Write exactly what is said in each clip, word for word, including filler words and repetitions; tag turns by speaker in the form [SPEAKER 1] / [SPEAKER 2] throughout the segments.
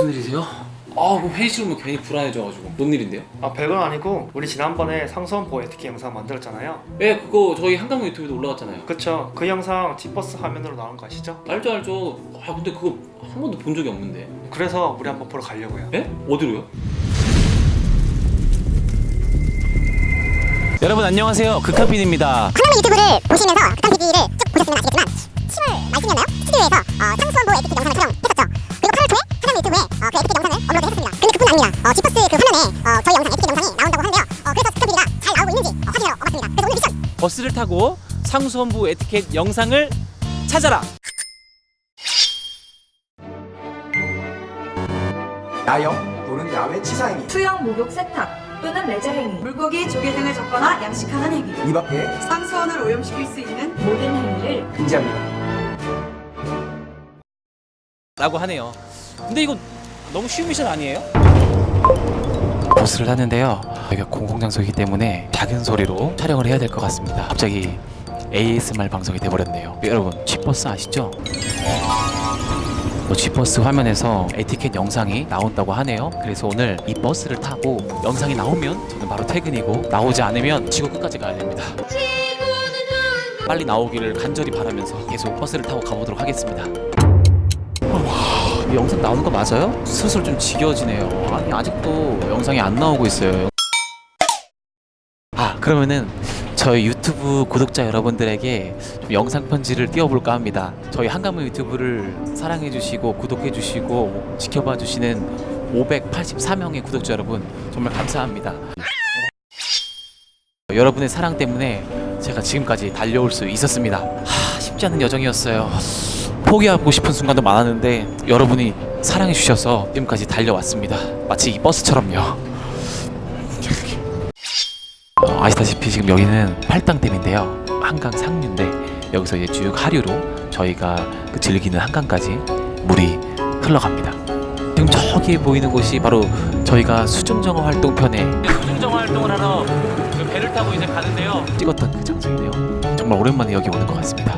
[SPEAKER 1] 무슨 일이세요? 아, 그럼 회의실 오면 괜히 불안해져가지고. 뭔 일인데요?
[SPEAKER 2] 아 별건 아니고 우리 지난번에 상수원보 에티켓 영상 만들었잖아요.
[SPEAKER 1] 예, 그거 저희 한강문 유튜브에도 올라갔잖아요.
[SPEAKER 2] 그쵸? 그 영상 지버스 화면으로 나온 거 아시죠?
[SPEAKER 1] 알죠, 알죠. 아, 근데 그거 한 번도 본 적이 없는데.
[SPEAKER 2] 그래서 우리 한번 보러 가려고요.
[SPEAKER 1] 예? 어디로요?
[SPEAKER 3] 여러분 안녕하세요. 극한빈입니다.
[SPEAKER 4] 강남의 유튜브를 보시면서 극한 피디를 쭉 보셨으면 아시겠지만 칠월 말쯤이었나요? 스튜디오에서 어, 상수원보 에티켓 영상을 촬영했었죠. 그리고 팔월 초에 강남 유튜브에 어, 그 에티켓 영상을 업로드했었습니다. 근데 그뿐 아닙니다. 어, 지퍼스 그 화면에 어, 저희 영상 에티켓 영상이 나온다고 하는데요. 어, 그래서 극한 피디가 잘 나오고 있는지 어, 확인하러 와봤습니다. 그래서 오늘 미션!
[SPEAKER 3] 버스를 타고 상수원부 에티켓 영상을 찾아라.
[SPEAKER 5] 야영 또는 야외 치사행위,
[SPEAKER 6] 수영, 목욕, 세탁 또는 레저 행위, 물고기, 조개 등을 접거나 양식하는 행위,
[SPEAKER 5] 이 밖에
[SPEAKER 6] 상수원을 오염시킬 수 있는 모든 행위를
[SPEAKER 5] 금지합니다.
[SPEAKER 3] 라고 하네요. 근데 이거 너무 쉬운 미션 아니에요? 버스를 탔는데요. 여기가 공공장소이기 때문에 작은 소리로 촬영을 해야 될 것 같습니다. 갑자기 에이에스엠알 방송이 돼버렸네요. 여러분 G버스 아시죠? 뭐 G버스 화면에서 에티켓 영상이 나온다고 하네요. 그래서 오늘 이 버스를 타고 영상이 나오면 저는 바로 퇴근이고, 나오지 않으면 지구 끝까지 가야 됩니다. 빨리 나오기를 간절히 바라면서 계속 버스를 타고 가보도록 하겠습니다. 와, 이 영상 나오는 거 맞아요? 슬슬 좀 지겨워지네요. 아니 아직도 영상이 안 나오고 있어요. 아, 그러면은 저희 유튜브 구독자 여러분들에게 좀 영상 편지를 띄워볼까 합니다. 저희 한강문 유튜브를 사랑해주시고 구독해주시고 지켜봐주시는 오백팔십사 명의 구독자 여러분 정말 감사합니다. 여러분의 사랑 때문에 제가 지금까지 달려올 수 있었습니다. 하, 쉽지 않은 여정이었어요. 포기하고 싶은 순간도 많았는데 여러분이 사랑해주셔서 지금까지 달려왔습니다. 마치 이 버스처럼요. 어, 아시다시피 지금 여기는 팔당댐인데요. 한강 상류인데 여기서 이제 쭉 하류로 저희가 그 즐기는 한강까지 물이 흘러갑니다. 지금 저기 보이는 곳이 바로 저희가 수중정화 활동편에 수중정화 활동을 하러 그 배를 타고 이제 가는데요. 찍었던 그 장소이네요. 정말 오랜만에 여기 오는 것 같습니다.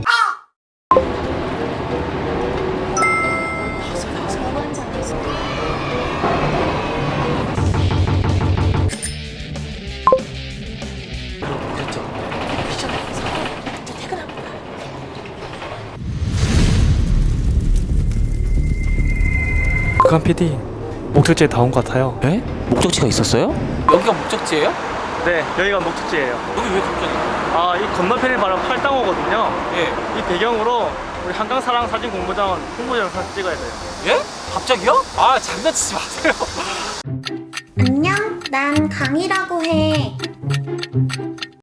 [SPEAKER 2] 극한 피디 목적지에 다 온 것 같아요.
[SPEAKER 3] 에? 목적지가 있었어요? 여기가 목적지예요?
[SPEAKER 2] 네, 여기가 목적지예요.
[SPEAKER 3] 여기 왜 갑자기?
[SPEAKER 2] 아, 이 건너편이 바로 팔당호거든요.
[SPEAKER 3] 예.
[SPEAKER 2] 이 배경으로 우리 한강사랑 사진 공모전 홍보 영상 찍어야 돼요.
[SPEAKER 3] 예? 갑자기요? 아, 장난치지 마세요.
[SPEAKER 4] 안녕, 난 강이라고 해.